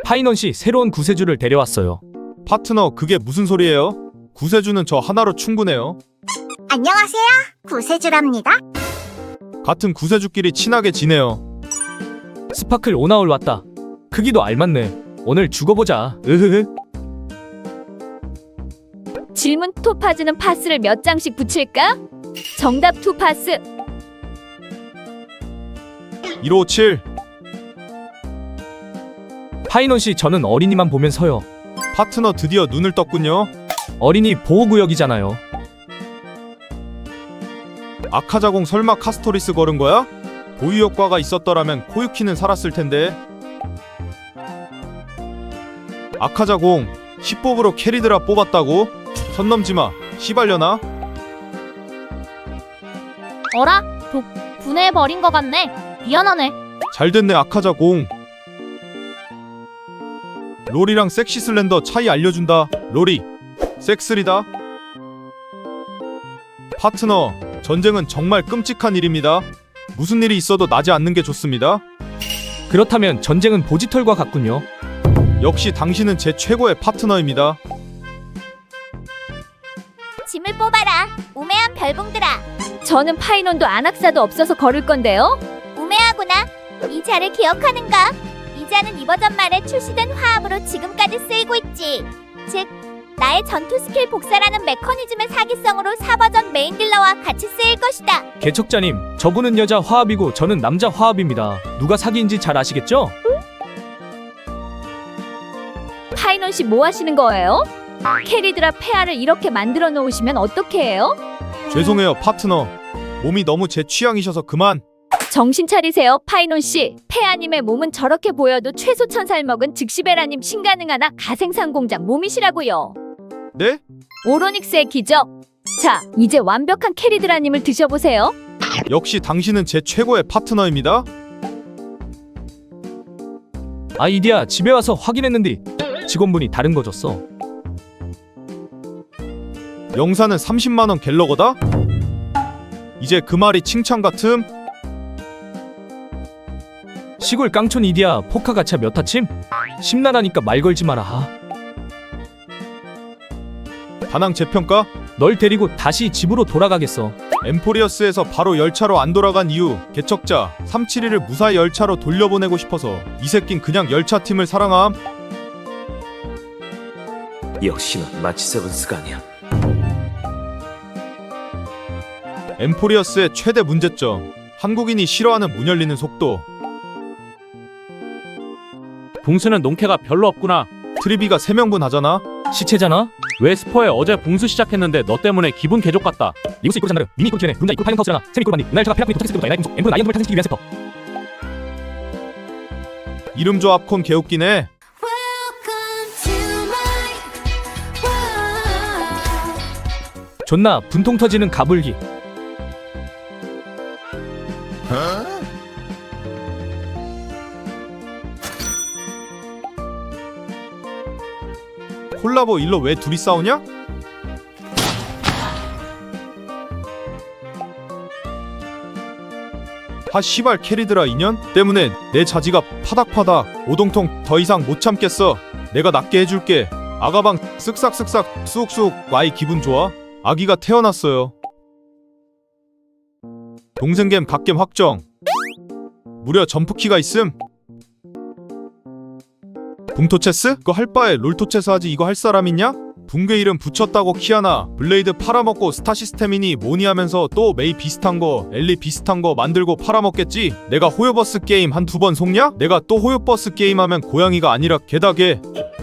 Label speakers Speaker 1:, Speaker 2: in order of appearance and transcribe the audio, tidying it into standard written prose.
Speaker 1: 파이넌씨 새로운 구세주를 데려왔어요.
Speaker 2: 파트너, 그게 무슨 소리예요? 구세주는 저 하나로 충분해요.
Speaker 3: 안녕하세요. 구세주랍니다.
Speaker 2: 같은 구세주끼리 친하게 지내요.
Speaker 1: 스파클 오나올 왔다. 크기도 알맞네. 오늘 죽어보자. 으흐흐.
Speaker 4: 질문 토파즈는 파스를 몇 장씩 붙일까? 정답 투파스.
Speaker 2: 1557.
Speaker 1: 파이넌씨 저는 어린이만 보면 서요.
Speaker 2: 파트너 드디어 눈을 떴군요.
Speaker 1: 어린이 보호구역이잖아요.
Speaker 2: 아카자공 설마 카스토리스 걸은 거야? 보유 효과가 있었더라면 코유키는 살았을 텐데. 아카자공 10뽑으로 캐리드라 뽑았다고? 선 넘지마 시발려나?
Speaker 5: 어라? 분해해버린 것 같네. 미안하네.
Speaker 2: 잘됐네 아카자공. 롤이랑 섹시 슬렌더 차이 알려준다. 롤이 섹스리다. 파트너, 전쟁은 정말 끔찍한 일입니다. 무슨 일이 있어도 나지 않는 게 좋습니다.
Speaker 1: 그렇다면 전쟁은 보지털과 같군요.
Speaker 2: 역시 당신은 제 최고의 파트너입니다.
Speaker 3: 짐을 뽑아라. 우매한 별봉들아.
Speaker 4: 저는 파이논도 안악사도 없어서 걸을 건데요.
Speaker 3: 우매하구나. 이 자를 기억하는가? 이 자는 이 버전 말에 출시된 화합으로 지금까지 쓰이고 있지. 즉, 나의 전투 스킬 복사라는 메커니즘의 사기성으로 4버전 메인 딜러와 같이 쓰일 것이다.
Speaker 1: 개척자님, 저분은 여자 화합이고 저는 남자 화합입니다. 누가 사기인지 잘 아시겠죠?
Speaker 4: 파이논씨 뭐 하시는 거예요? 캐리드라 폐하를 이렇게 만들어 놓으시면 어떻게 해요?
Speaker 2: 죄송해요 파트너. 몸이 너무 제 취향이셔서 그만.
Speaker 4: 정신 차리세요, 파이논씨. 폐하님의 몸은 저렇게 보여도 최소 1000살 먹은 즉시베라님 신가능하나 가생산 공장 몸이시라고요.
Speaker 2: 네?
Speaker 4: 오로닉스의 기적. 자, 이제 완벽한 캐리드라님을 드셔보세요.
Speaker 2: 역시 당신은 제 최고의 파트너입니다.
Speaker 1: 아이디야, 집에 와서 확인했는데 직원분이 다른 거 줬어.
Speaker 2: 영사는 30만원 갤러거다? 이제 그 말이 칭찬 같음?
Speaker 1: 시골 깡촌 이디야, 포카 가차 몇 타침? 심란하니까 말 걸지 마라.
Speaker 2: 다낭 재평가?
Speaker 1: 널 데리고 다시 집으로 돌아가겠어.
Speaker 2: 엠포리어스에서 바로 열차로 안 돌아간 이유. 개척자 371을 무사히 열차로 돌려보내고 싶어서. 이 새낀 그냥 열차팀을 사랑함.
Speaker 6: 역시나 마치 세븐스가 아니야.
Speaker 2: 엠포리어스의 최대 문제점, 한국인이 싫어하는 문 열리는 속도.
Speaker 7: 붕수는 농캐가 별로 없구나.
Speaker 2: 트리비가 3명분 하잖아.
Speaker 1: 시체잖아?
Speaker 7: 왜 스포에 어제 붕수 시작했는데 너 때문에 기분 개족 같다.
Speaker 1: 리구스 이끌 잔나르, 미니 이끌 키네, 룬자 이끌 파이넌 카우스잖아. 세미 이끌 반니, 은하열차가 페라콘이 도착했을 때부터 에나이 공속, 엠프는 아이언돔을 탄생시키기 위한 세터.
Speaker 2: 이름 조합 콘 개웃기네.
Speaker 1: 존나 분통 터지는 가불기.
Speaker 2: 콜라보 일로 왜 둘이 싸우냐? 하 씨발 캐리드라 인연 때문에 내 자지가 파닥파닥 오동통 더 이상 못 참겠어. 내가 낫게 해줄게. 아가방 쓱싹쓱싹 쑥쑥. 와이 기분 좋아? 아기가 태어났어요. 동생겜 갓겜 확정. 무려 점프키가 있음. 붕토체스? 그거 할 바에 롤토체스 하지. 이거 할 사람 있냐? 붕괴 이름 붙였다고 키아나. 블레이드 팔아먹고 스타 시스템이니 뭐니 하면서 또 메이 비슷한 거 엘리 비슷한 거 만들고 팔아먹겠지. 내가 호요버스 게임 한 2번 속냐? 내가 또 호요버스 게임 하면 고양이가 아니라 개다개.